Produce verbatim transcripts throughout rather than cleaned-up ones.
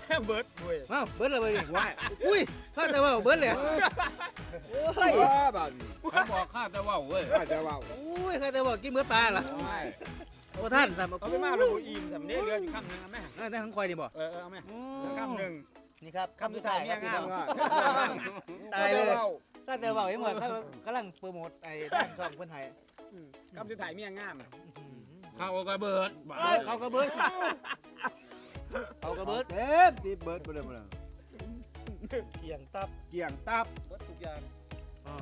เบิร์ดเว้ยว้าวเบิร์ดเลยดิว้ายอุ้ยข้าแต่ว่าเบิร์ดเลยเฮ้ยบ้านนี้เขาบอกข้าจะว่าเว้ยข้าจะว่าอุ้ยข้าแต่ว่ากินเบิร์ดปลาล่ะไม่โอ้ท่านสามเอาไปมาเราอิ่มสำเนียงเรืออยู่คำหนึ่งเอาไหมแต่ทั้งคอยนี่บ่เออเอาไหมคำหนึ่งนี่ครับคำสุดท้ายเนี่ยงามตายเลยข้าแต่ว่าไอ้หมดข้ากำลังโปรโมทไอ้ท่านช่องเพื่อนไทยคำสุดท้ายเมียงามข้าวกระเบิดเขากระเบิดเขากระเบิดเต็มที่เบิร์ดไปเลยมาเลยเกี่ยงตับเกี่ยงตับเบิร์ดทุกอย่างอ่า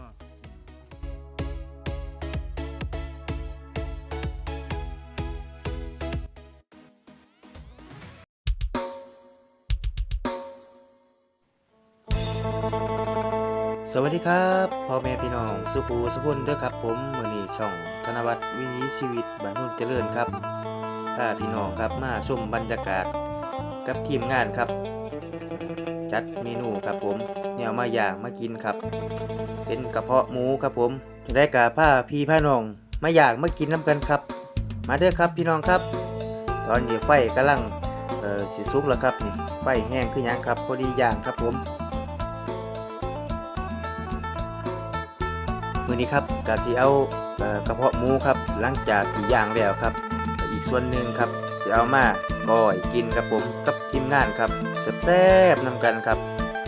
สวัสดีครับพ่อแม่พี่น้องสุภูสุพลเด้อครับผมมื้อนี้ช่องธนวัฒน์วิถีชีวิตบ้านนุ่นเจริญครับพาพี่น้องครับมาชมบรรยากาศกับทีมงานครับ จัดเมนูครับผมแนวมาย่างมากินครับ เป็นกระเพาะหมูครับผมได้กะผ้าพี่ผ้าน้องมาย่างมากินน้ำกันครับ มาเด้อครับพี่น้องครับ ตอนนี้ไฟกำลังเอ่อสิสุกแล้วครับนี่ไฟแห้งคือหยังครับพอดีย่างครับผมมื้อนี้ครับกะสิเอาเอ่อกระเพาะหมูครับหลังจากที่ย่างแล้วครับอีกส่วนหนึ่งครับสิเอามาก้อยกินครับผมกับทีมงานครับแซ่บๆนำกันครับ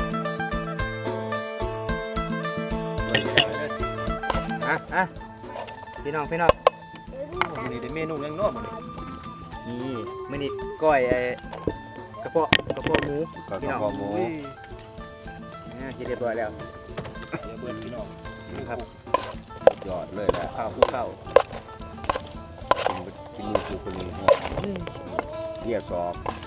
อ่ะอ่ะพี่น้องพี่น้องนี่เป็นเมนูเลี้ยงนอกหมดเลยนี่มื้อนี้ก้อยไอ้กระเพาะกระเพาะหมูก็พี่กระน้องเพาะหมูอ่ากินเรียบร้อยแล้วเดี๋ยวเบิร์ดพี่น้องนี่ครับยอดเลยแหละข้าวคู่ข้าวกินมือคือคนนี้เรียกสอบ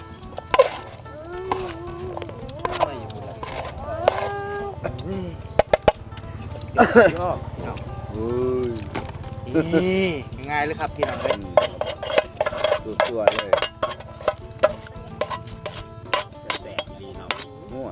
ชอบเฮ้ยนี่ง่ายเลยครับพี่น้องเลยตัวตัวเลยแสบดีเนาะมั่ว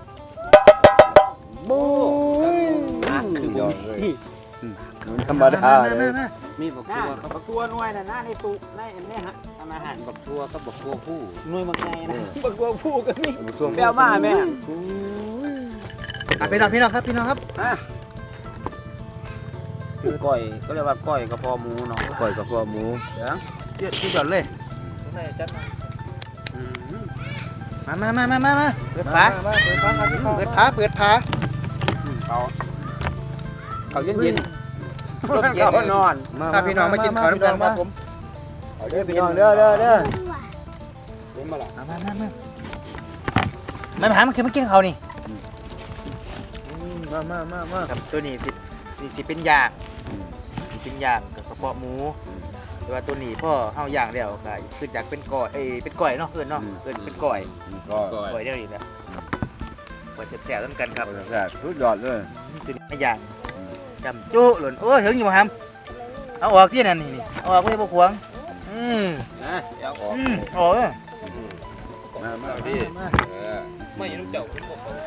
บู๊คือยอดเลยธรรมดาเลยมีบักตัวบักตัวหน่วยน่ะหน้าในตู้ในอันนี้ฮะทำอาหารบักตัวกับบักตัวผู้หน่วยบักไงนะบักตัวผู้ก็มีแปลมาแม่อ่ะพี่น้องพี่น้องครับพี่น้องครับก้อยก็เรียกว่าก้อยกระเพาะหมูเนาะก่อยกระเพาะหมูเยอะที่สุดเลยไม่จัดมามามามามามาเปิดฝาเปิดฟังครับพี่เปิดฝาเปิดฝาเขาเขาเย็นเย็นรถเย็นเขานอนครับพี่น้องมากินข้าวด้วยกันครับผมเอาเด้อพี่น้องเด้อเด้อเด้อเย็นมาละมามามามาไม่มาหามันคือมากินข้าวนี่มามามามาครับตัวนี้สินี่สิเป็นย่างสิเป็นย่างกับกระเพาะหมูแต่ว่าตัวนี้พ่อเฮาย่างแล้วก็ขึ้นจากเป็นก้อยเอ้ยเป็นก้อยเนาะเอิ้นเนาะเอิ้นเป็นก้อยก็ก้อยเดียวนี่แหละก้อยแซ่บๆนำกันครับแซ่บสุดยอดเลยตัวนี้ไม่ย่างจำจุหล่นโอ้ยถึงอยู่บ่ฮัมเอาออกที่นั่นนี่เอาออกไว้บ่ขวางอืมนะเดี๋ยวออกอืมออกเออมามาพี่มาไม่รู้เจ้าคุณบอกเขา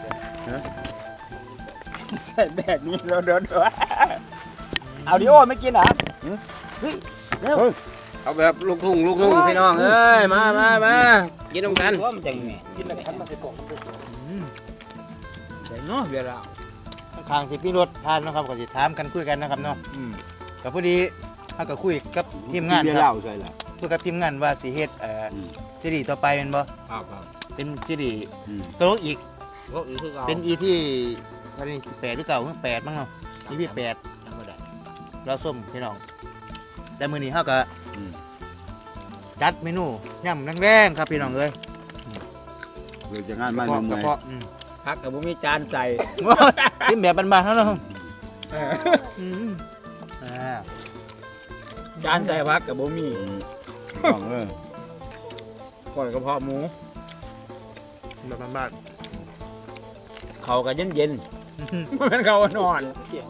ใส่แบบนี้เดี๋ยวเดี๋ยวเดี๋ยวเอาดิโอไม่กินเหรอเฮ้ยเร็วเอาแบบลูกทุ่งลูกทุ่งพี่น้องเอ้ยมามามากินน้ำกันว่ามันจะยังไงกินแล้วคันมาใส่กล่องใส่เนาะเวลาข้างๆที่พี่รถทานเนาะครับก็สิถามกันคุยกันนะครับเนาะก็พอดีเฮาก็คุยกับทีมงานเบียคร์รับเหล้าใช่ละคุยกับทีมงานว่าสิเฮ็ดเอ่ออมซีรีส์ต่อไปแม่นบ่ครับครับเป็นซีรีส์อืมตลกอีกพวกอีกคือเราเป็นอีที่วันนี้แปดหรือเก่าแปดมั้งเนาะอีพี่แปดจำไม่ได้เราส้มพี่น้องแต่มื้อนี้เฮาก็อืมจัดเมนูย่ำแรงๆครับพี่น้องเอ้ยเดี๋ยวจะงานบ้านกระเมืเพาะองกระเพาะอืมพักกับผมมีจานใส่กินแบบบ้านๆเฮาเนาะอืมอ่าจานใส่พักกับผมมีต้องเลยก้อยกระเพาะหมูแบบบ้านเขากันเย็นเย็นๆมันเขานอน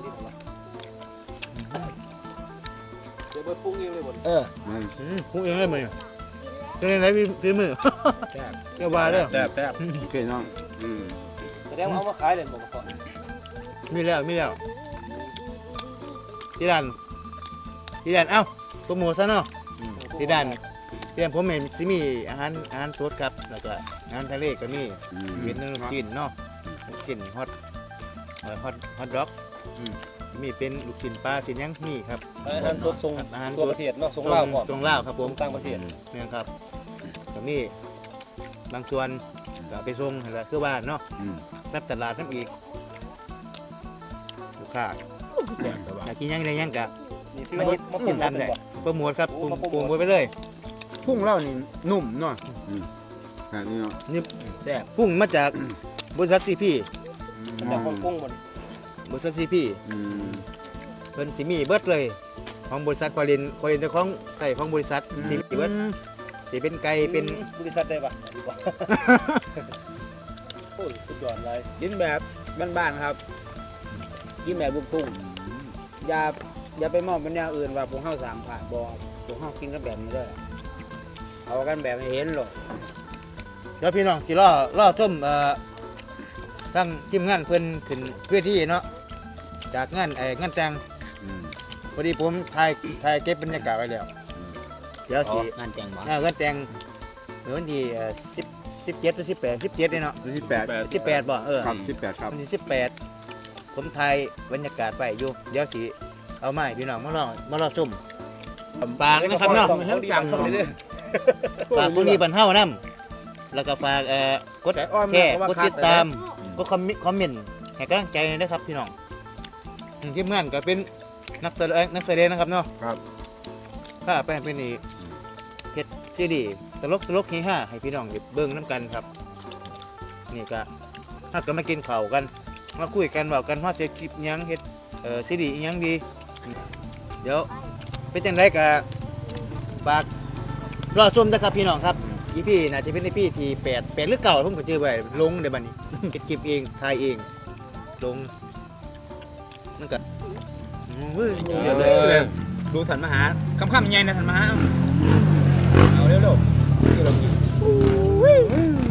เอออืมปรุงเองเลยมื้อนี้เฮ็ดจังได๋พี่มือเจ้าว่าเด้อแซ่บแซ่บโอเคน้องอืมแสดงว่าเอามาขายเลยบอกก่อนมีแล้วมีแล้วที่ด้านที่ด้านเอ้าโปรโมทซะเนาะที่ด้านที่เตรียมผมเห็นสิมีอาหารอาหารสดครับแล้วก็อาหารทะเลก็มีเป็นขนมจีนเนาะลูกชิ้นฮอตเอ่อฮอตฮอตด็อกมีเป็นลูกชิ้นปลาสิยังมีครับอาหารสดส่งอาหารตัวประเทศเนาะส่งลาวก่อนส่งลาวครับผมต่างประเทศนี่ครับก็มีบางส่วนก็ไปส่งนั่นแหละคือบ้านเนาะรับตลาดน้ำอีกลูกค้าอยากกินหยังได้หยังกะนี่พี่มาว่านิดมาติปุ่ดมตามได้บ่โปรโมทครับปรุงโอ้มาโปรโมทปรุงไว้ไปเลยพุ่งเล่านี่นุ่มเนาะแบบนี้เนาะแซ่บพุ่งมาจากบริษัทซีพีมันจะคนกุ้งบนบริษัทซีพีอืมเพิ่นสิมีเบิดเลยของบริษัทคอลินคอลินเจ้าของใส่ของบริษัทสิมีเบิดสิเป็นไก่เป็นบริษัทได้ปะดีกว่าโอ้ยสุดยอดเลยกินแบบบ้านๆครับกินแบบลูกทุ่งอย่าอย่าไปมองเป็นอย่างอื่นว่าพวกเฮาสามผ่านบ่พวกเฮากินกันแบบนี้เด้อเอากันแบบให้เห็นหรอกเดี๋ยวพี่น้องสิรอรอชมเอ่อทั้งทีมงานเพิ่นขึ้นเพื่อที่เนาะจากงานไอ้งานแต่งอืมพอดีผมถ่ายถ่ายเก็บบรรยากาศไว้แล้วเดี๋ยวสิงานแต่งบ่อ่างานแต่งเมื่อวันที่เอ่อสิบสิบเจ็ดหรือสิบแปดสิบเจ็ดเนี่ยเนาะวันที่แปดสิบแปดบ่เออครับสิบแปดครับวันที่สิบแปดผมถ่ายบรรยากาศไปอยู่เดี๋ยวสิเอาไม้พี่น้องมาลองมาลองชมฝากนะครับเนาะเขาดีจังเลยฝากพวกนี้บรรเทานํแล้วก็ฝากเอ่อกดแต่อ้อมแชร์เพราะว่ากดติดตามกดคอมเมนต์คอมเมนต์ให้กำลังใจหน่อยนะครับพี่น้องอืมทีมงานก็เป็นนักแสดงนักแสดงนะครับเนาะครับถ้าไปเป็นนี่เฮ็ดซีดีตลกตลกเฮฮาให้พี่น้องได้เบิ่งน้ำกันครับนี่ก็ถ้าก็มากินข้าวกันมาคุยกันเว้ากันว่าจะคลิปหยังเฮ็ดเอ่อซีดีอิหยังดี เดี๋ยวเป็นจังไดก็ฝากรอชมนะครับพี่น้องครับอีพี่น่าจะเป็นอีพี่ที่แปด แปดหรือเก่าผมก็เจอไว้ลงเดี๋ยวบัดนี้ เฮ็ดคลิปเองถ่ายเองลงมันก็อืมเว้ยเดี๋ยวเลยดูถันมาหาคำคำยังไงนะถันมาหาเอาเร็วๆที่เรากิน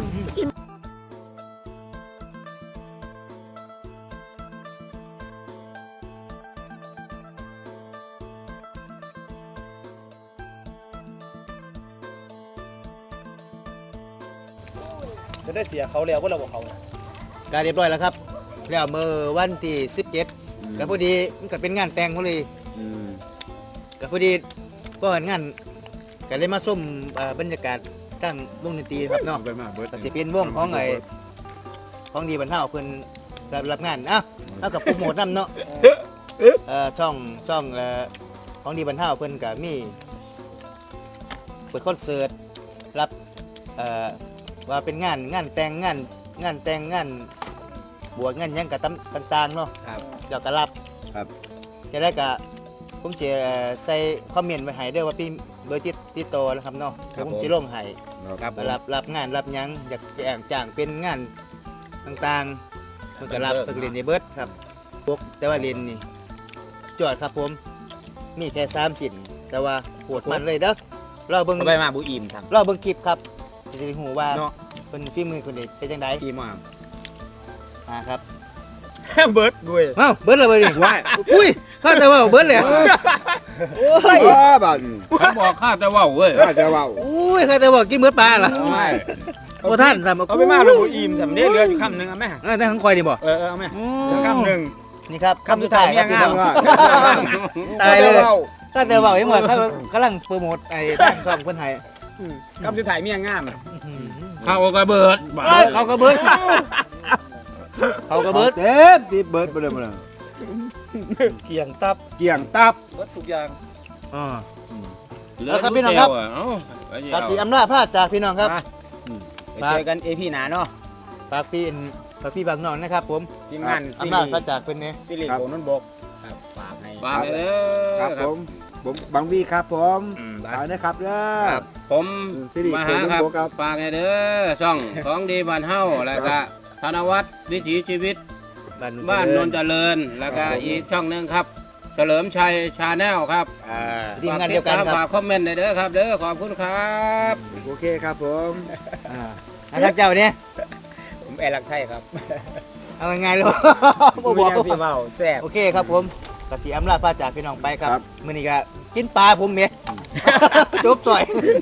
จะได้เสียเขาแล้วว่าเราบอกเขาการเรียบร้อยแล้วครับแล้วเมื่อวันที่สิบเจ็ดก็พอดีมันก็เป็นงานแต่งพอดีอืมก็พอดีก็เห็นงานก็เลยมาส้มเอ่อบรรยากาศตั้งวงดนตรีครับเนาะเอาไปมาเบิร์ดก็สิเป็นวงของไอ้ของดีบรรเทาเพิ่นรับรับงานอ่ะเอากับโปรโมทนำเนาะเอ่อช่องช่องเอ่อของดีบรรเทาเพิ่นก็มีเปิดคอนเสิร์ตรับเอ่อว่าเป็นงานงานแต่งงานงานแต่งงานบวชงานหยังก็ต่างๆเนาะครับเดี๋ยวก็รับครับจะได้ก็ผมจะใส่คอมเมนต์ไว้ให้ด้วยว่าพี่เบอร์ติดติดต่อนะครับเนาะเดี๋ยวผมจะลงให้ครับรับรับงานรับหยังอยากจะแองจ้างเป็นงานต่างๆมันก็รับสักเรียนในเบิร์ดครับพวกแต่ว่าเรียนนี่จอดครับผมมีแค่สามสิ่นแต่ว่าโหดมันเลยเด้อเราเบิ่งเอาไปมาบุอิ่มทำเราเบิ่งคลิปครับจะได้หูว่าเนาะเป็นฝีมือคนเด็กเป็นจังไดอิ่มมากอ่าครับเบิร์ดด้วยเอ้าเบิร์ดเลยเบิร์ดนี่ว้ายอุ้ยเข้าแต่ว่าเบิร์ดเลยโอ้ยว้าบาดอืมเขาบอกข้าจะว่าเว้ยน่าจะเว้าอุ้ยเข้าแต่ว่ากินเบิร์ดปลาเหรอไม่โอ้ท่านสามเอาไปมาเราบุอิ่มทำได้เรืออยู่คำหนึ่งเอาไหมเออแต่ของคอยนี่บ่เออเออเอาไหมเรือคำหนึ่งนี่ครับคำสุดท้ายครับเมียงามพี่น้อว่าตายเลยอตั้งแต่บอกยังว่าเขากำลังโปรโมทไอ้ด้านซองคนไทยคำสุดท้ายเมียงามข้าวกระเบิดเอ้ยเขากระเบิดเขากระเบิดเต็มที่เบิร์ดไปเลยมาเลยเกี่ยงตับเกี่ยงตับเบิดทุกอย่างอ๋อเหลืแล้วครับพี่น้องครับเาไปเจียวภาษีอำนาจพาจากพี่น้องครับไปเจอกันเอพีหนาเนาะฝากพี่ฝากพี่บางน้องนะครับผมทีมงานซีอำนารีจพาส์จากเป็นไงซีรีส์โขนนบกครับฝากให้ฝากเลยเด้อครับผม ผมบางวีครับผมอืมฝากนะครับเด้อครับผมซีรีส์มาโขหานนครับบกครับฝากให้เด้อช่องของดีบ้านเฮาแล้วก็ธนวัฒน์วิถีชีวิตบ้านนนท์เจริญแล้วก็อีกช่องหนึงครับ เฉลิมชัยชาแนลครับอ่าทีมงานเดียวกันคฝารักบคอมเมนต์หน่อยเด้อครับเด้อขอบคุณครับโอเคครับผมอ่านะครับเจ้าเนี่ยผมแอร์ลักไทยครับเอาไงายๆเลยบ่บ่บบ ออก กสิเว้าแซ่บโอเคครับผมกสิอำลาพาจากพี่น้องไปครับมื้อนี้ก็กินปลาผมเมียจบจ่อย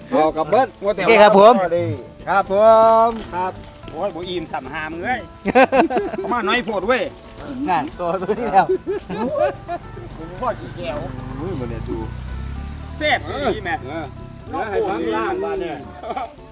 พอกับเบิ้ลว่าแต่โอเคครับผมสวัสดีครับผมครับโอ้ยบ่อิ่มสัมหามงเอ้ยเขามาน้อยโพดเว้ยงานตัวตัวนี้แล้วผมพ่อขี้แก้วมือมันเนี่ยดูแซ่บดีแม่เนื้อให้ความย่างบ้านเนี่ยเ